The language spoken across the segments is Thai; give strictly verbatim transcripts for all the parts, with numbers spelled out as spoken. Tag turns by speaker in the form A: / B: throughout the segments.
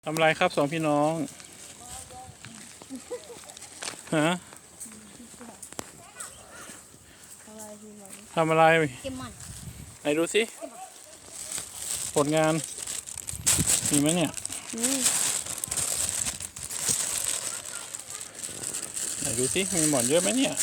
A: ทำอะไรครับสองพี่น้องฮะทำอะไร
B: เกมมัน
A: ไหนดูสิผลงานมีไหมเนี่ยไหนดูสิมีหมอนเยอะไหมเนี่ย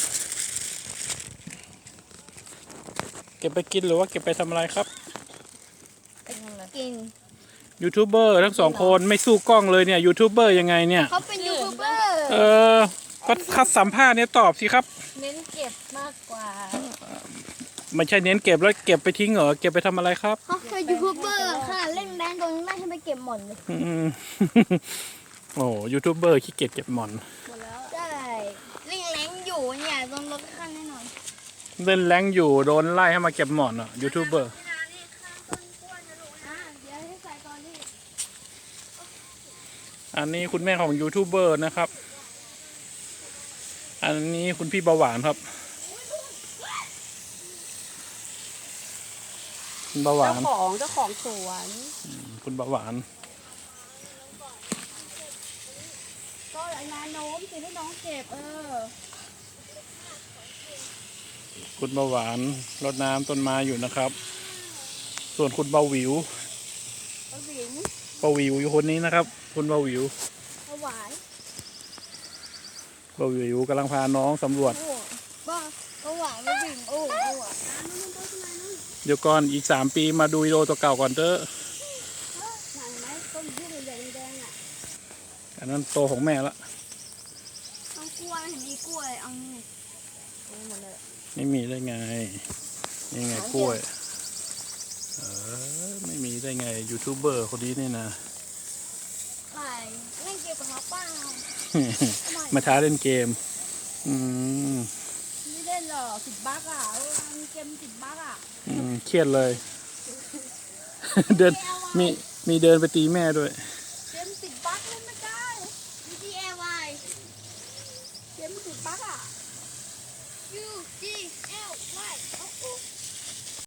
A: เก็บไปกินหรือว่าเก็บไปทำอะไรครับ
B: กิน
A: ยูทูบเบอร์ทั้งสองคนไม่สู้กล้องเลยเนี่ยยูทูบเบอร์ยังไงเนี่ย
B: เขาเป็นยูทูบเบอร์
A: เออก็คัดสัมภาษณ์เนี่ยตอบสิครับ
B: เน้นเก็บมากกว่า
A: ไม่ใช่เน้นเก็บแล้วเก็บไปทิ้งเหรอเก็บไปทำอะไรครับ
B: เขาเป็นยูทูบเบอร์ค่ะเล่นแบงค์ตรงนี้ไม่ให้ไปเก็บหม่อนเลย
A: โอ้ยูทูบเบอร์ขี้เกียจเก็บหมอน
B: หมดแล้วใช่เล่นแรงอยู่เนี่ยโดนลดขั้นแน่นอน
A: เล่นแรงอยู่โดนไล่ให้มาเก็บหมอนอ่ะยูทูบเบอร์อันนี้คุณแม่ของยูทูบเบอร์นะครับอันนี้คุณพี่เบาหวานครับคุณเบาหวาน
B: เจ้าของเจ้าของสวน
A: คุณเบาหวาน
B: ก็นาโน้มสิให้น้องเก็บเออ
A: คุณเบาหวานรดน้ำต้นไม้อยู่นะครับส่วนคุณเบาหวิว
B: เบาหวิว
A: เบาหวิวอยู่คนนี้นะครับคุณเบาหวิว
B: เบาหวาน
A: เบาหวิวกำลังพาน้องสำรวจ
B: เบาเบาหวานเบาหวิวโอ้โห
A: เดี๋ยวก่อนอีกสามปีมาดูวิดีโอตัวเก่าก่อนเถอะอันนั้นโตของแม่ละ
B: ต้องกล้วยเห็นมีกล้วยเอานี่หมดเลย
A: ไม่มีได้ไงนี่ไงกล้วยเออไม่มีได้ไงยูทูบเบอร์คนนี้นี่นะ
B: ใช่เล่นเกมกับเขาเปล่า
A: มาท้าเล่นเกมอืม
B: ไม่เล่นหรอกติดบั๊กอ่ะมีเกมติดบั๊กอ่ะ
A: อืมเครียดเลยเดินมีมีเดินไปตีแม่ด้วย
B: เกมติดบั๊กเล่นไม่ได้มี ดี แอล วาย เกมติดบั๊กอ่ะ U G L Y โอ้โห